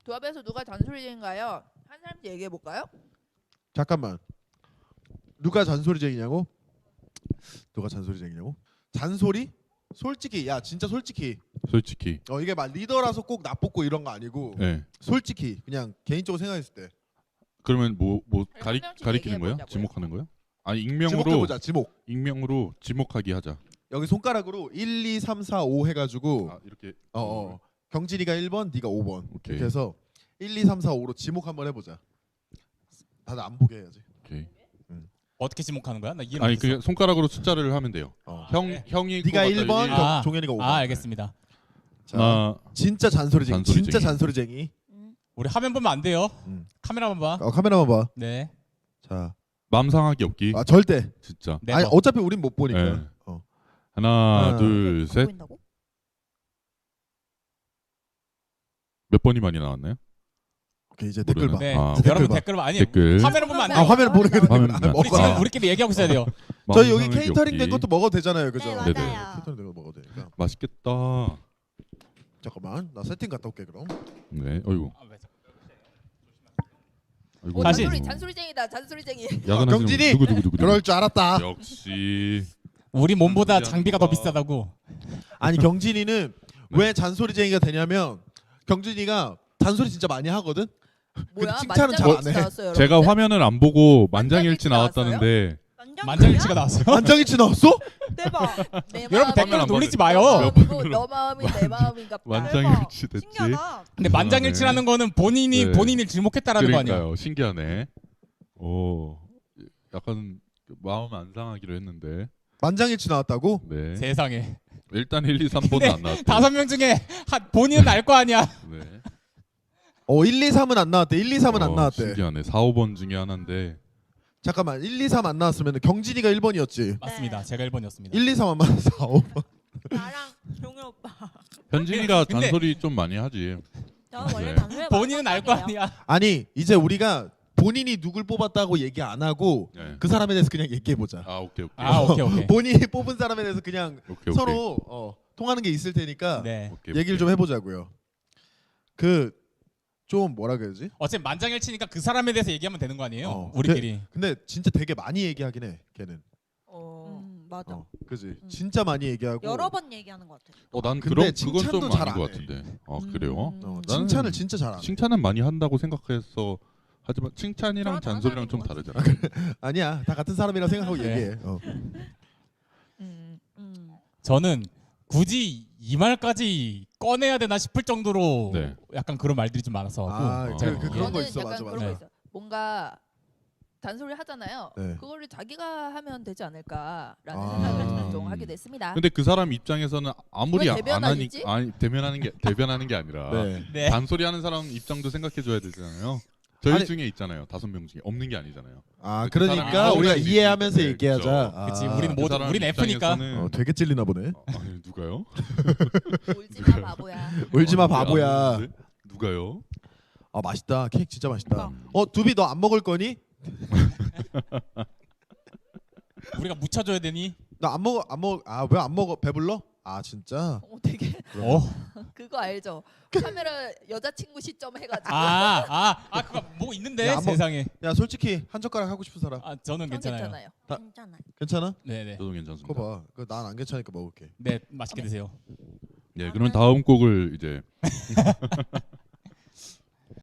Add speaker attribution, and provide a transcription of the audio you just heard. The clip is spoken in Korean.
Speaker 1: 조합에서 누가 잔소리쟁인가요? 한 사람씩 얘기해 볼까요?
Speaker 2: 잠깐만. 누가 잔소리쟁이냐고? 누가 잔소리쟁이냐고? 잔소리? 솔직히 야 진짜 솔직히
Speaker 3: 솔직히.
Speaker 2: 이게 막 리더라서 꼭 나쁘고 이런 거 아니고
Speaker 3: 네.
Speaker 2: 솔직히 그냥 개인적으로 생각했을 때
Speaker 3: 그러면 뭐
Speaker 1: 한 명씩
Speaker 3: 가리키는 거예요?
Speaker 1: 얘기해보자고요.
Speaker 3: 지목하는 거예요? 아니 익명으로
Speaker 2: 지목해보자. 지목.
Speaker 3: 익명으로 지목하기 하자.
Speaker 2: 여기 손가락으로 1, 2, 3, 4, 5 해가지고
Speaker 3: 아 이렇게.
Speaker 2: 경진이가 1번, 네가 5번
Speaker 3: 오케이.
Speaker 2: 이렇게 해서 1, 2, 3, 4, 5로 지목 한번 해보자. 다들 안 보게 해야지.
Speaker 3: 오케이.
Speaker 4: 어떻게 지목하는 거야? 나 이해
Speaker 3: 아니
Speaker 4: 못했어.
Speaker 3: 그 손가락으로 숫자를 하면 돼요.
Speaker 4: 그래.
Speaker 3: 형이
Speaker 2: 네가
Speaker 3: 꼽았다,
Speaker 2: 1번,
Speaker 3: 일.
Speaker 4: 아.
Speaker 2: 종현이가 5번.
Speaker 4: 아 알겠습니다.
Speaker 2: 자,
Speaker 3: 하나.
Speaker 2: 진짜 잔소리쟁이. 진짜 잔소리쟁이.
Speaker 4: 우리 화면 보면 안 돼요. 카메라만 봐.
Speaker 2: 카메라만 봐.
Speaker 4: 네.
Speaker 2: 자,
Speaker 3: 맘 상하기 없기.
Speaker 2: 절대.
Speaker 3: 진짜.
Speaker 4: 네.
Speaker 2: 아니 어차피 우린 못 보니까.
Speaker 3: 네. 하나, 둘, 셋.
Speaker 1: 보인다고?
Speaker 3: 몇 번이 많이 나왔나요?
Speaker 2: 오케이 이제 댓글 봐.
Speaker 4: 네.
Speaker 3: 아,
Speaker 4: 여러분
Speaker 2: 봐.
Speaker 4: 댓글 봐. 아니
Speaker 3: 댓글.
Speaker 4: 화면을 보면 안 돼.
Speaker 2: 화면을 보는 게
Speaker 3: 화면
Speaker 2: 댓글.
Speaker 3: 보면
Speaker 4: 우리
Speaker 3: 안 돼.
Speaker 4: 지금 우리끼리 얘기하고 있어야 돼요.
Speaker 2: 저희 여기
Speaker 3: 맘 상하기
Speaker 2: 케이터링 된
Speaker 3: 없기.
Speaker 2: 것도 먹어도 되잖아요, 그죠?
Speaker 5: 네,
Speaker 3: 네네.
Speaker 5: 맞아요.
Speaker 2: 케이터링 된 거 먹어도 되니까.
Speaker 3: 맛있겠다.
Speaker 2: 잠깐만, 나 세팅 갔다 올게 그럼.
Speaker 3: 네. 어이구. 아이고.
Speaker 4: 다시.
Speaker 1: 잔소리쟁이다. 잔소리쟁이.
Speaker 3: 야간하시는
Speaker 2: 경진이!
Speaker 3: 분 누구.
Speaker 2: 그럴 줄 알았다.
Speaker 3: 역시.
Speaker 4: 우리 몸보다
Speaker 3: 신기하다.
Speaker 4: 장비가 더 비싸다고.
Speaker 2: 아니 경진이는
Speaker 3: 네.
Speaker 2: 왜 잔소리쟁이가 되냐면 경진이가 잔소리 진짜 많이 하거든.
Speaker 1: 뭐야?
Speaker 2: 칭찬은 잘안 해.
Speaker 1: 나왔어요,
Speaker 3: 제가
Speaker 1: 여러분들?
Speaker 3: 화면을 안 보고 만장일치
Speaker 1: 만장일치
Speaker 3: 나왔다는데
Speaker 4: 만장일치가 나왔어요.
Speaker 2: 안정이치 나왔어?
Speaker 5: 대박.
Speaker 1: 내
Speaker 4: 여러분
Speaker 1: 마음이
Speaker 4: 댓글
Speaker 3: 안
Speaker 4: 놀리지
Speaker 3: 받아요.
Speaker 4: 마요.
Speaker 1: 마음이고 너 마음이 내 마음인갑다.
Speaker 3: 만장일치 됐지.
Speaker 5: 신기하다.
Speaker 4: 근데 만장일치라는 거는 본인이
Speaker 3: 네.
Speaker 4: 본인을 지목했다라는 거 아니야?
Speaker 3: 그러니까요. 신기하네. 오. 약간 마음 안 상하기로 했는데.
Speaker 2: 만장일치 나왔다고?
Speaker 3: 네.
Speaker 4: 세상에.
Speaker 3: 일단 1, 2, 3번은
Speaker 4: 근데
Speaker 3: 안 나왔대.
Speaker 4: 5명 중에 본인은 알 거 아니야.
Speaker 3: 네.
Speaker 2: 1, 2, 3은 안 나왔대. 1, 2, 3은 안 나왔대.
Speaker 3: 신기하네. 4, 5번 중에 하나인데.
Speaker 2: 잠깐만 1, 2, 3 안 나왔으면 경진이가 1번이었지.
Speaker 4: 맞습니다. 제가 1번이었습니다.
Speaker 2: 1, 2, 3 안 맞아 4, 5번.
Speaker 5: 나랑 종현 오빠.
Speaker 3: 현진이가
Speaker 4: 근데-
Speaker 3: 잔소리 좀 많이 하지.
Speaker 5: 저는 원래
Speaker 3: 네.
Speaker 5: 단소리
Speaker 4: 본인은 알 거 아니야.
Speaker 2: 아니 이제 우리가 본인이 누굴 뽑았다고 얘기 안 하고
Speaker 3: 네.
Speaker 2: 그 사람에 대해서 그냥 얘기해 보자.
Speaker 3: 아 오케이.
Speaker 4: 아 오케이.
Speaker 2: 본인이 뽑은 사람에 대해서 그냥
Speaker 3: 오케이.
Speaker 2: 서로 통하는 게 있을 테니까
Speaker 4: 네.
Speaker 3: 오케이,
Speaker 2: 얘기를
Speaker 3: 오케이.
Speaker 2: 좀 해보자고요. 그 좀 뭐라 그러지?
Speaker 4: 어차피 만장일치니까 그 사람에 대해서 얘기하면 되는 거 아니에요?
Speaker 2: 어.
Speaker 4: 우리끼리.
Speaker 2: 근데 진짜 되게 많이 얘기하긴 해. 걔는.
Speaker 5: 맞아.
Speaker 2: 그지. 진짜 많이 얘기하고.
Speaker 5: 여러 번 얘기하는 것 같아.
Speaker 3: 난
Speaker 2: 근데
Speaker 3: 그건
Speaker 2: 칭찬도
Speaker 3: 좀
Speaker 2: 잘
Speaker 3: 아닌 것
Speaker 2: 안 해.
Speaker 3: 같은데. 그래요?
Speaker 2: 나는
Speaker 3: 나는
Speaker 2: 칭찬을 진짜 잘 안 해.
Speaker 3: 칭찬은 많이 한다고 생각해서 하지만 칭찬이랑
Speaker 5: 저랑
Speaker 3: 잔소리랑 좀
Speaker 5: 다른
Speaker 3: 다르잖아.
Speaker 2: 아니야. 다 같은 사람이라 생각하고
Speaker 4: 네.
Speaker 2: 얘기해.
Speaker 4: 저는 굳이 이 말까지 꺼내야 되나 싶을 정도로
Speaker 3: 네.
Speaker 4: 약간 그런 말들이 좀 많아서
Speaker 2: 그런 거
Speaker 1: 저는
Speaker 2: 있어.
Speaker 1: 약간
Speaker 2: 맞아
Speaker 1: 그런
Speaker 2: 맞아.
Speaker 1: 거 있어. 뭔가 잔소리 하잖아요.
Speaker 2: 네.
Speaker 1: 그거를 자기가 하면 되지 않을까라는
Speaker 2: 아.
Speaker 1: 생각을 저는 좀 하게 됐습니다.
Speaker 3: 근데 그 사람 입장에서는 아무리
Speaker 1: 그걸
Speaker 3: 안
Speaker 1: 대변하겠지?
Speaker 3: 하니까 아니 대변하는 게 아니라
Speaker 2: 네.
Speaker 4: 네.
Speaker 3: 잔소리하는 사람 입장도 생각해 줘야 되잖아요. 저희
Speaker 2: 아니-
Speaker 3: 중에 있잖아요. 5명 중에 없는 게 아니잖아요.
Speaker 2: 아
Speaker 3: 그
Speaker 2: 그러니까
Speaker 3: 사람이
Speaker 2: 우리가
Speaker 3: 아무리
Speaker 2: 이해하면서
Speaker 3: 네,
Speaker 2: 얘기하자.
Speaker 3: 그렇죠.
Speaker 2: 아,
Speaker 4: 그치, 우리는
Speaker 3: 그
Speaker 4: 모두-
Speaker 3: 사람
Speaker 4: 우린 F니까.
Speaker 3: 입장에서는
Speaker 2: 되게 찔리나 보네.
Speaker 3: 아니, 누가요?
Speaker 1: 울지마 바보야.
Speaker 2: 울지마
Speaker 3: 아,
Speaker 2: 바보야.
Speaker 3: 네? 누가요?
Speaker 2: 아 맛있다. 케이크 진짜 맛있다.
Speaker 3: 음.
Speaker 2: 두비 너 안 먹을 거니?
Speaker 4: 우리가 묻혀줘야 되니?
Speaker 2: 나 안 먹어 안 먹어. 아 왜 안 먹어? 배불러? 아 진짜?
Speaker 1: 되게
Speaker 4: 어?
Speaker 1: 그거 알죠? 카메라 여자친구 시점 해가지고.
Speaker 4: 그거 뭐 있는데
Speaker 2: 야, 한번-
Speaker 4: 세상에.
Speaker 2: 야 솔직히 한 젓가락 하고 싶은 사람
Speaker 4: 저는
Speaker 1: 전
Speaker 4: 괜찮아요.
Speaker 1: 괜찮아요.
Speaker 5: 괜찮아.
Speaker 2: 괜찮아?
Speaker 4: 네네.
Speaker 3: 저도 괜찮습니다.
Speaker 2: 그거 봐. 난 안 괜찮으니까 먹을게.
Speaker 4: 네 맛있게 드세요.
Speaker 3: 네, 그러면 다음 곡을 이제